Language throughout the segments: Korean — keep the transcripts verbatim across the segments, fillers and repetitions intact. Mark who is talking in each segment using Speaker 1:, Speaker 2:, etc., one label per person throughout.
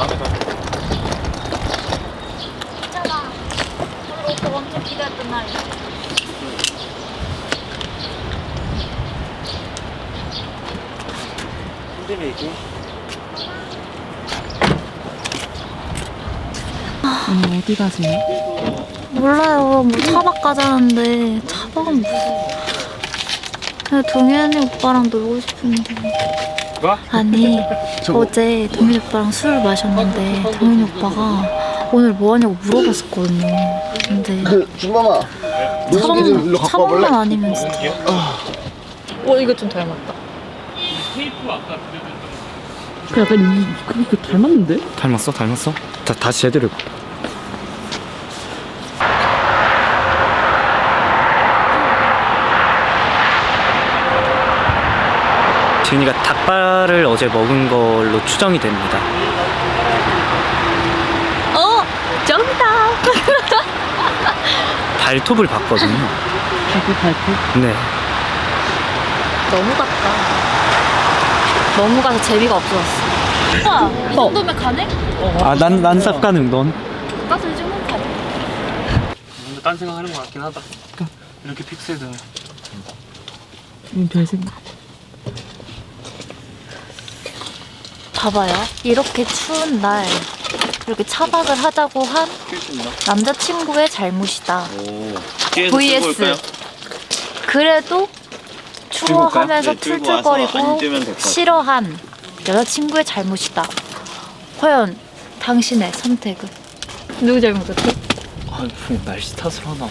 Speaker 1: 다음에 가.
Speaker 2: 있잖아. 우리 오빠 엄청 기다렸던 날이야.
Speaker 1: 핸드메이킹?
Speaker 3: 언니 어디 가세요?
Speaker 2: 몰라요. 뭐 차박 가자는데 차박은 무슨? 그냥 동현이 오빠랑 놀고 싶은데.
Speaker 1: 뭐?
Speaker 2: 아니 어제 동현이 오빠랑 술을 마셨는데 동현이 오빠가 오늘 뭐 하냐고 물어봤었거든요. 근데
Speaker 4: 그 준범아 노숙이 좀 일로 갖고 와볼래?
Speaker 2: 차박만 아니면 진짜.
Speaker 3: 어 이거 좀 닮았다.
Speaker 1: 테이프 아까
Speaker 3: 그 약간 이 그게 그 닮았는데?
Speaker 5: 닮았어? 닮았어? 다, 다시 제대로 해봐. 지은이가 닭발을 어제 먹은 걸로 추정이 됩니다.
Speaker 2: 어 정답.
Speaker 5: 발톱을 봤거든요.
Speaker 3: 발톱 발톱?
Speaker 5: 네.
Speaker 2: 너무 갔다. 너무 가서 재미가 없어졌어. 오빠 이 정도면 가네?
Speaker 5: 아, 난, 난 쌉 가능, 넌?
Speaker 2: 나도 이 정도면 가네.
Speaker 1: 뭔가 딴 생각하는 것 같긴 하다. 이렇게 픽셀되면.
Speaker 3: 음, 별 생각.
Speaker 2: 봐봐요. 이렇게 추운 날 이렇게 차박을 하자고 한 남자친구의 잘못이다. vs 그래도 추워하면서 툴툴거리고 싫어한 여자친구의 잘못이다. 과연 당신의 선택은? 누구 잘못 같아?
Speaker 5: 아, 뭐 날씨 탓을 하나.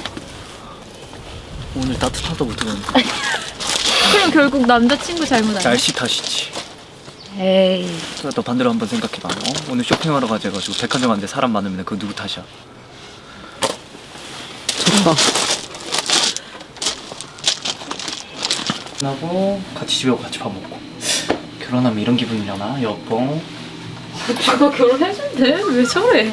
Speaker 5: 오늘 따뜻하다고 들었는데.
Speaker 2: 그럼 결국 남자친구 잘못 아니야?
Speaker 5: 날씨 탓이지.
Speaker 2: 에이.
Speaker 5: 너 반대로 한번 생각해봐. 어? 오늘 쇼핑하러 가자가지고 백화점 갔는데 사람 많으면 그거 누구 탓이야?
Speaker 3: 좋다.
Speaker 5: 하고 같이 집에 오고 같이 밥 먹고. 결혼하면 이런 기분이려나? 여보.
Speaker 2: 누가 결혼해준대? 왜 저래?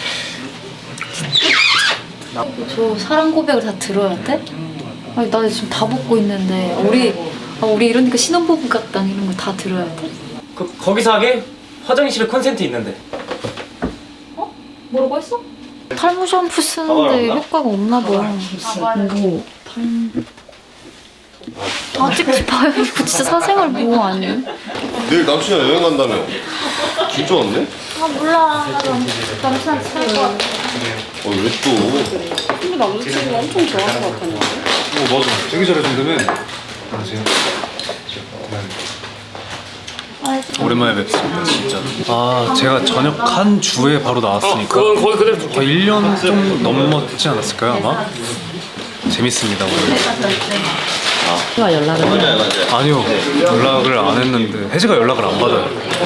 Speaker 2: 저 사랑 고백을 다 들어야 돼? 아니 나 지금 다 먹고 있는데 우리 아, 우리 이러니까 신혼부부 같다 이런 거 다 들어야 돼?
Speaker 5: 그, 거기서 하게? 화장실에 콘센트 있는데.
Speaker 2: 어? 뭐라고 했어? 탈모 샴푸 쓰는데 효과가 없나 봐.
Speaker 3: 그리고
Speaker 2: 다 찍지 마요. 이거 진짜 사생활 보호 아니에요?
Speaker 4: 내일 남친이랑 여행 간다며 진짜 왔네?
Speaker 2: 아 몰라. 나도 남친한테 살것 같아.
Speaker 4: 어 왜 또?
Speaker 3: 근데 남자친구가 엄청 좋아할 것 같았는데?
Speaker 6: 어 맞아 되게 잘해준다며. 안녕하세요. 오랜만에 뵙습니다 진짜. 아 제가 전역 한 주에 바로 나왔으니까
Speaker 1: 그건 거의 그대로
Speaker 6: 거의 일 년 좀 넘었지 않았을까요 아마? 재밌습니다 오늘.
Speaker 3: 혜가 연락을 해.
Speaker 6: 아니요 연락을 안 했는데 혜지가 연락을 안 받아요.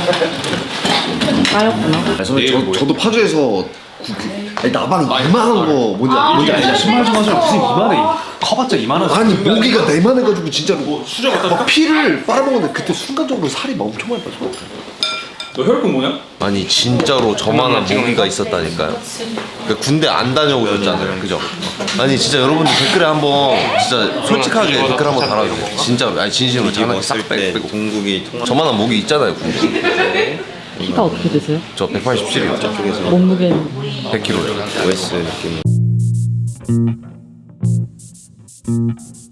Speaker 3: 까였구나.
Speaker 4: 저, 저도 파주에서 그, 그, 아니, 나방 이만한 거 뭔지, 아, 뭔지 알죠?
Speaker 6: 신발 좀 하자. 무슨 이만해. 커봤자 이만하지.
Speaker 4: 아니 모기가 내만해가지고 진짜로 막 피를 빨아먹는데 그때 순간적으로 살이 막 엄청 많이 빠져.
Speaker 1: 너 혈액형 뭐냐?
Speaker 7: 아니 진짜로 저만한 모기가 있었다니까요. 그러니까 군대 안 다녀오셨잖아요, 그죠? 아니 진짜 여러분들 댓글에 한번 진짜 솔직하게 댓글 한번 달아주세요. 진짜 아니 진심으로 장난기 싹 빼고 공국이 저만한 모기 있잖아요, 군대.
Speaker 3: 키가 어떻게 되세요?
Speaker 7: 저 백팔십칠이요. 저쪽에서
Speaker 3: 몸무게는?
Speaker 7: 백 킬로그램. 오에스 느낌.